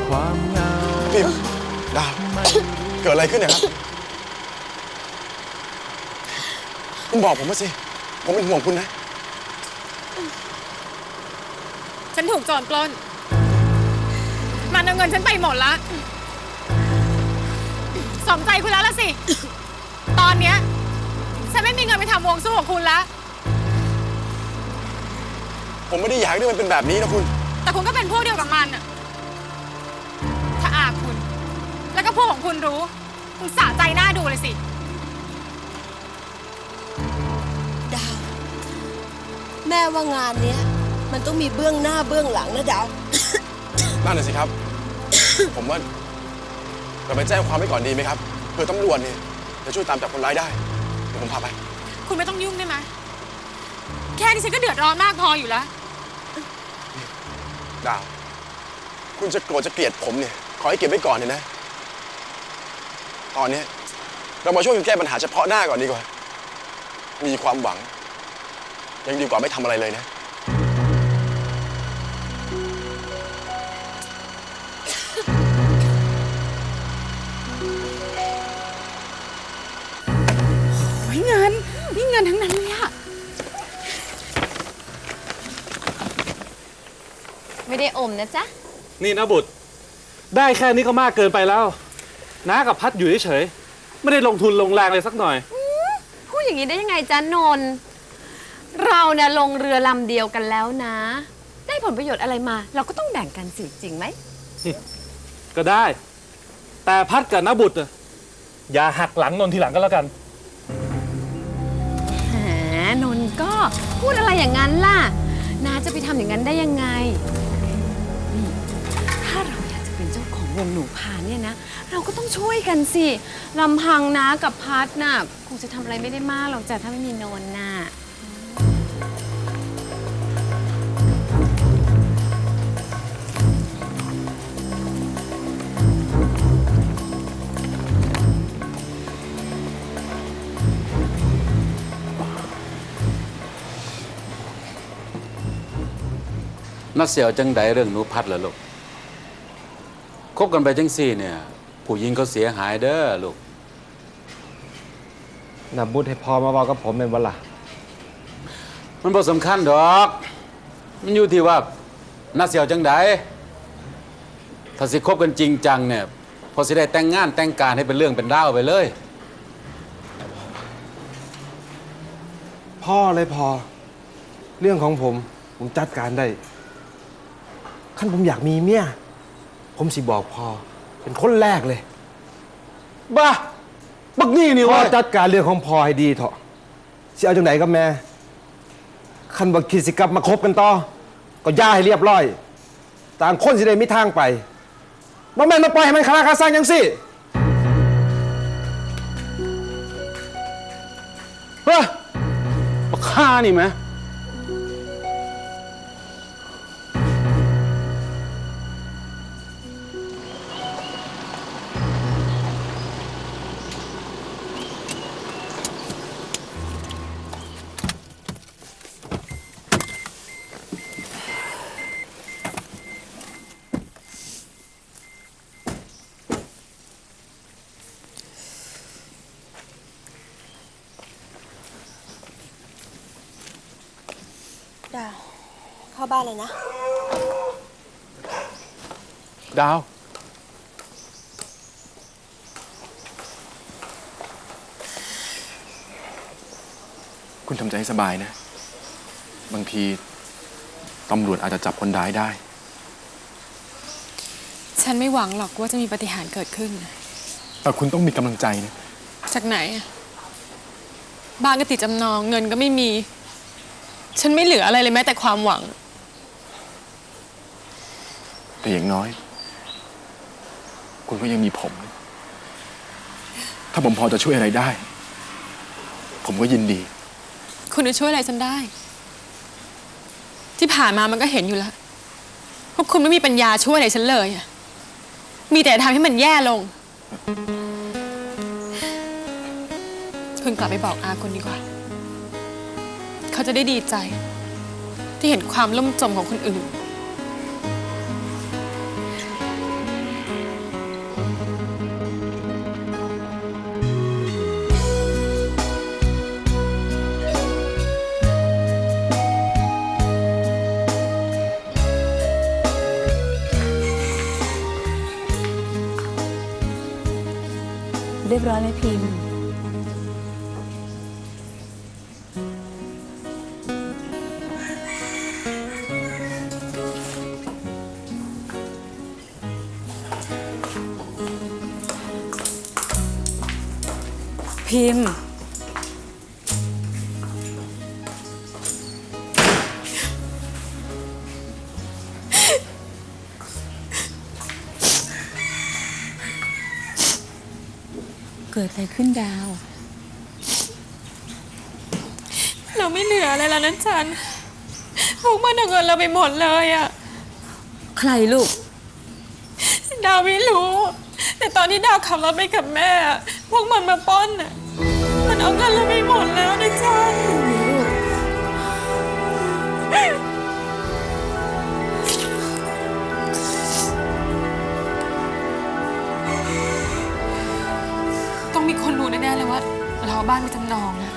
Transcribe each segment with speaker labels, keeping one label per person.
Speaker 1: ความเหงา
Speaker 2: พิมดาวเกิดอะไรขึ้นเนี่ยครับคุณบอกผมมาสิผมเป็นห่วงคุณนะ
Speaker 3: ฉันถูกโจรปล้นมันเอาเงินฉันไปหมดละสมใจคุณแล้วละสิ ตอนเนี้ยฉันไม่มีเงินไปทำวงสู้กับคุณละ
Speaker 2: ผมไม่ได้อยากให้มันเป็นแบบนี้นะคุณ
Speaker 3: แต่คุณก็เป็นพวกเดียวกับมันอะถ้าอาคุณ แล้วก็พวกของคุณรู้คุณสะใจหน้าดูเลยสิ
Speaker 4: ดาว แม่ว่างานเนี้ยมันต้องมีเบื้องหน้าเบื้องหลังนะดาว
Speaker 2: นั่นน่ะสิครับ ผมว่าเราไปแจ้งความไว้ก่อนดีไหมครับเผื่อตำรวจเนี่ยจะช่วยตามจับคนร้ายได้เดี๋ยวผมพาไป
Speaker 3: คุณไม่ต้องยุ่งได้ไหมแค่นี้ฉันก็เดือดร้อนมากพออยู่แล้ว
Speaker 2: ดาว คุณจะโกรธจะเกลียดผมเนี่ยขอให้เก็บไว้ก่อนเนี่ยนะ ตอนนี้เรามาช่วยกันแก้ปัญหาเฉพาะหน้าก่อนดีกว่า มีความหวัง ยังดีกว่าไม่ทำอะไรเลยนะ
Speaker 3: เงินนี่เงินทั้งนั้นเลยอะ
Speaker 5: ไม่ได้อมนะจ๊ะ
Speaker 1: นี่นะบุตรได้แค่นี้ก็มากเกินไปแล้วน้ากับพัดอยู่เฉยๆไม่ได้ลงทุนลงแรงเลยสักหน่อย
Speaker 5: พูดอย่างนี้ได้ยังไงจ๊ะนนท์เราเนี่ยลงเรือลำเดียวกันแล้วนะ ได้ผลประโยชน์อะไรมา เราก็ต้องแบ่งกันสิจริงไหม
Speaker 1: ก็ได้ แต่พัดกับน้าบุตรน่ะอย่าหักหลังนนทีหลังก็แล้วกัน
Speaker 5: แหมนนท์ก็พูดอะไรอย่างนั้นล่ะน้าจะไปทำอย่างนั้นได้ยังไงนี่ถ้าเราอยากจะเป็นเจ้าของวงหนูพาเนี่ยนะ เราก็ต้องช่วยกันสิลำพังน้ากับพัดน่ะคงจะทำอะไรไม่ได้มากหรอกจ้ะถ้าไม่มีนนท์น่ะ
Speaker 6: นัดเสียวจังใดเรื่องหนูพัดเหรอลูกคบกันไปจังสี่เนี่ยผู้หญิงเขาเสียหายเด้อลูก
Speaker 7: นับบุญให้พอมาบอกกับผมเป็นวันละ
Speaker 6: มันบ่สำคัญดอก มันอยู่ที่ว่านัดเสียวจังใดถ้าสิคบกันจริงจังเนี่ยพอสิได้แต่งงานแต่งการให้เป็นเรื่องเป็นราวไปเลย
Speaker 7: พ่อเลยพอ เรื่องของผมจัดการได้ขั้นผมอยากมีเมียผมสิบอกพ่อเป็นคนแรกเลย
Speaker 1: บ้าบักนี่นี่
Speaker 7: พ่อ
Speaker 1: วะ
Speaker 7: จัดการเรื่องของพ่อให้ดีเถอะสิเอาจังไหนกับแม่ขั้นบักคิดสิกลับมาคบกันต่อก็ย่าให้เรียบร้อยต่างคนสิได้มีทางไปบ่แม่นมาปล่อยให้มันคาราคาซังจังสิ
Speaker 1: เฮ้ยบักฆ่านี่ไหม
Speaker 4: ดาว เข้าบ้านเลยนะ
Speaker 1: ดาว
Speaker 2: คุณทำใจให้สบายนะ บางทีตำรวจอาจจะจับคนร้ายได้
Speaker 3: ฉันไม่หวังหรอกว่าจะมีปาฏิหาริย์เกิดขึ้น
Speaker 2: แต่คุณต้องมีกำลังใจนะ
Speaker 3: จากไหนอะบ้านก็ติดจำนองเงินก็ไม่มี ฉันไม่เหลืออะไรเลยแม้แต่ความหวัง
Speaker 2: แต่อย่างน้อย คุณก็ยังมีผม ถ้าผมพอจะช่วยอะไรได้ ผมก็ยินดี
Speaker 3: คุณจะช่วยอะไรฉันได้ ที่ผ่านมามันก็เห็นอยู่แล้วพวกคุณไม่มีปัญญาช่วยอะไรฉันเลยอะมีแต่ทำให้มันแย่ลง คุณกลับไปบอกอาคุณดีกว่า เขาจะได้ดีใจ ที่เห็นความล่มจมของคนอื่น
Speaker 5: เรียบร้อยไหมพิมพ์ พิมพ์ เกิดอะไรขึ้นดาว
Speaker 3: เราไม่เหลืออะไรแล้วนะจันพวกมันเอาเงินเราไปหมดเลยอะ
Speaker 5: ใครลูก
Speaker 3: ดาวไม่รู้ แต่ตอนที่ดาวขับรถไปกับแม่อะพวกมันมาปล้นอะมันเอาเงินเราไปหมดแล้วนะจันต้องมีคนรู้แน่ๆเลยว่า เราเอาบ้านไปจำนองอะ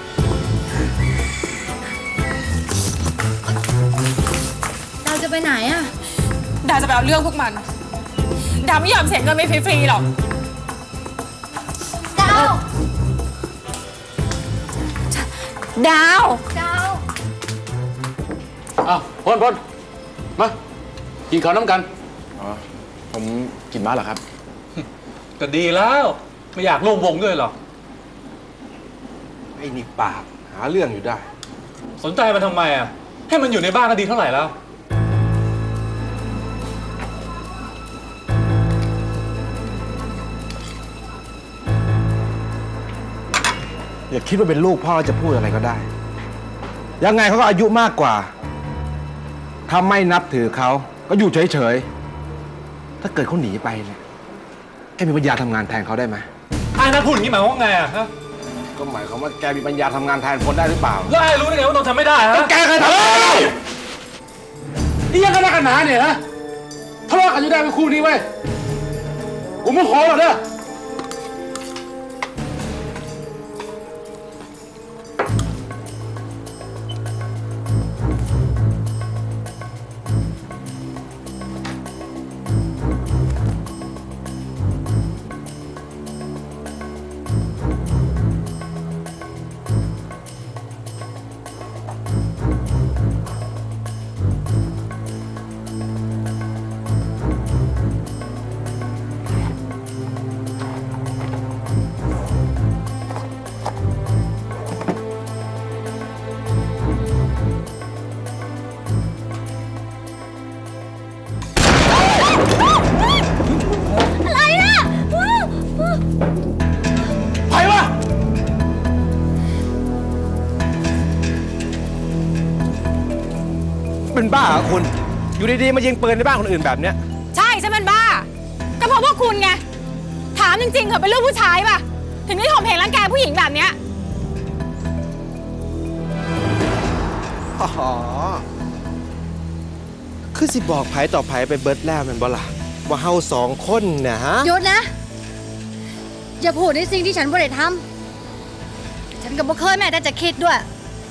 Speaker 5: เราจะไปไหนอะ
Speaker 3: ดาวจะไปเอาเรื่องพวกมัน ดาวไม่ยอมเสียเงินไปฟรีๆหรอก
Speaker 5: ดาว ดาว
Speaker 6: อ้าวพลมา กินข้าวน้ำกัน
Speaker 2: อ๋อ ผมกินม้าเหรอครับ
Speaker 1: ก็ดีแล้ว ไม่อยากร่วมวงด้วยหรอก
Speaker 7: ไอ้นี่ปากหาเรื่องอยู่ได้
Speaker 1: สนใจมันทำไมอ่ะ ให้มันอยู่ในบ้านก็ดีเท่าไหร่แล้ว
Speaker 7: อย่าคิดว่าเป็นลูกพ่อจะพูดอะไรก็ได้ ยังไงเขาก็อายุมากกว่า ถ้าไม่นับถือเขาก็อยู่เฉยๆ ถ้าเกิดเขาหนีไปเนี่ยแกมีปัญญาทำงานแทนเขาได้ไหม
Speaker 1: ไอ้นัทพูดอย่างนี้หมายความว่าไงอ่ะฮะ
Speaker 7: ก็หมายความว่าแกมีปัญญาทำงานแทนคนได้หรือเปล่า
Speaker 1: แล้วไอ้รู้ได้ไงว่านนท์ทำไม่ได้ฮะ
Speaker 7: แกเคยทำอะไร
Speaker 6: นี่ยังกันนักกันหนาเนี่ยนะทะเลาะกันอยู่ได้เป็นคู่นี้เว้ยกูไม่ขอหรอกเด้อ
Speaker 7: ใครวะ เป็นบ้าเหรอคุณ อยู่ดีๆ มายิงปืนในบ้านคนอื่นแบบเนี้ย
Speaker 3: ใช่ฉันเป็นบ้า ก็เพราะพวกคุณไง ถามจริงๆเถอะเป็นลูกผู้ชายป่ะ ถึงได้ข่มเหงรังแกผู้หญิงแบบเนี้ย
Speaker 7: อ๋อ คือสิบอกไผต่อไผไปเบิร์ดแล้วแมันบ่ล่ะว่าเฮาสองคนเนี่ยฮะ
Speaker 8: หยุดนะ อย่าพูดในสิ่งที่ฉันไม่ได้ทำฉันก็บ่เคยแม้แต่จะคิดด้วย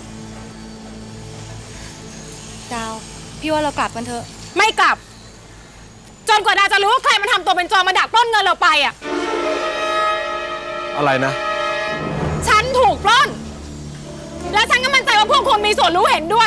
Speaker 8: ดาว พี่ว่าเรากลับกันเถอะ
Speaker 3: ไม่กลับ จนกว่าดาจะรู้ว่าใครมันทำตัวเป็นโจรมาดักปล้นเงินเราไปอ่ะ
Speaker 7: อะไรนะ
Speaker 3: ฉันถูกปล้น และฉันก็มั่นใจว่าพวกคุณมีส่วนรู้เห็นด้วย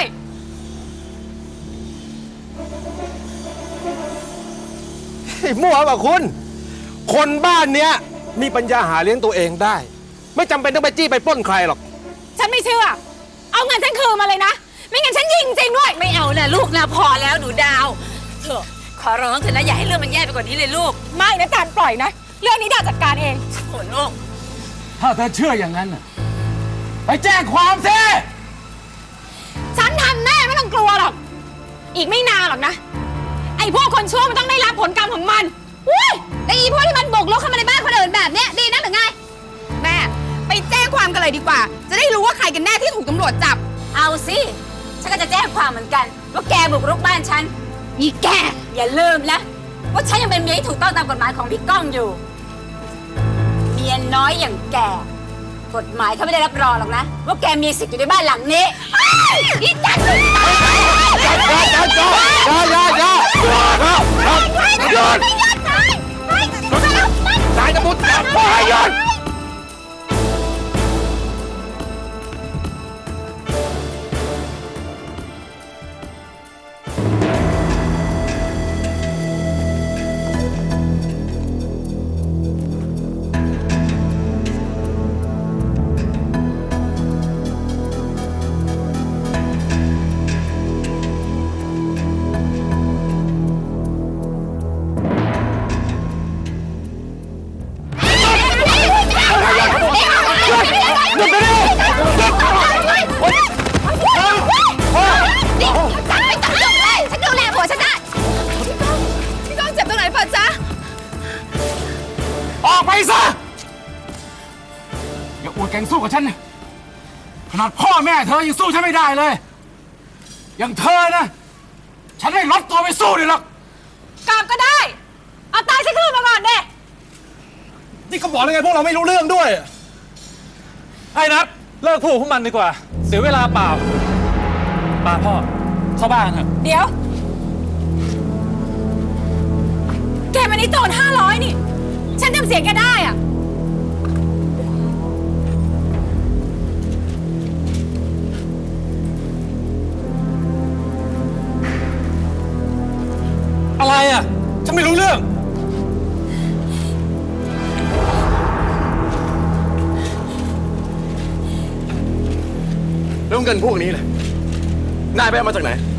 Speaker 7: มั่วเปล่าคุณ คนบ้านเนี้ยมีปัญญาหาเลี้ยงตัวเองได้ ไม่จำเป็นต้องไปจี้ไปปล้นใครหรอก
Speaker 3: ฉันไม่เชื่อ เอาเงินฉันคืนมาเลยนะ ไม่งั้นฉันยิงจริงด้วย
Speaker 5: ไม่เอานะลูกนะพอแล้วหนูดาว เถอะขอร้องเถอะนะอย่าให้เรื่องมันแย่ไปกว่านี้เลยลูก
Speaker 3: ไม่นะจานปล่อยนะ เรื่องนี้ดาจัดการเอง
Speaker 5: โอ้ลูก
Speaker 6: ถ้าเธอเชื่ออย่างนั้นน่ะไปแจ้งความสิ
Speaker 3: ฉันทำแน่ไม่ต้องกลัวหรอก อีกไม่นานหรอกนะ ไอ้พวกคนชั่วมันต้องได้รับผลกรรมของมันอุ้ยแล้วอีพวกที่มันบุกรุกเข้ามาในบ้านคนอื่นแบบเนี้ยดีนะหรือไง แม่ ไปแจ้งความกันเลยดีกว่า จะได้รู้ว่าใครกันแน่ที่ถูกตำรวจจับ
Speaker 5: เอาสิฉันก็จะแจ้งความเหมือนกัน ว่าแกบุกรุกบ้านฉัน
Speaker 3: อีแก
Speaker 5: อย่าลืมนะว่าฉันยังเป็นเมียที่ถูกต้องตามกฎหมายของพี่ก้องอยู่ เมียน้อยอย่างแก กฎหมายเขาไม่ได้รับรองหรอกนะ ว่าแกมีสิทธิ์อยู่ในบ้านหลังนี้อีจันทร์
Speaker 7: นายจะมุดปล่อยยน
Speaker 6: อกไปซะ อย่าอวดแก่งสู้กับฉันนะขนาดพ่อแม่เธอยังสู้ฉันไม่ได้เลย อย่างเธอนะ ฉันไม่ลดตัวไปสู้เลยหรอก
Speaker 3: กลับก็ได้ เอาตายฉันคืนมาก่อนเด้
Speaker 7: นี่ก็บอกแล้วไงพวกเราไม่รู้เรื่องด้วย
Speaker 1: ไอ้นัทเลิกพูดกับพวกมันดีกว่า เสียเวลาเปล่าป้าพ่อ เข้าบ้านเถอะ
Speaker 3: เดี๋ยว แกมันนี่โจร500 นี่ ฉันจำเสียงแกได้อะ
Speaker 1: อะไรอ่ะ ฉันไม่รู้เรื่อง
Speaker 2: แล้วเงินพวกนี้ล่ะนายไปเอามาจากไหน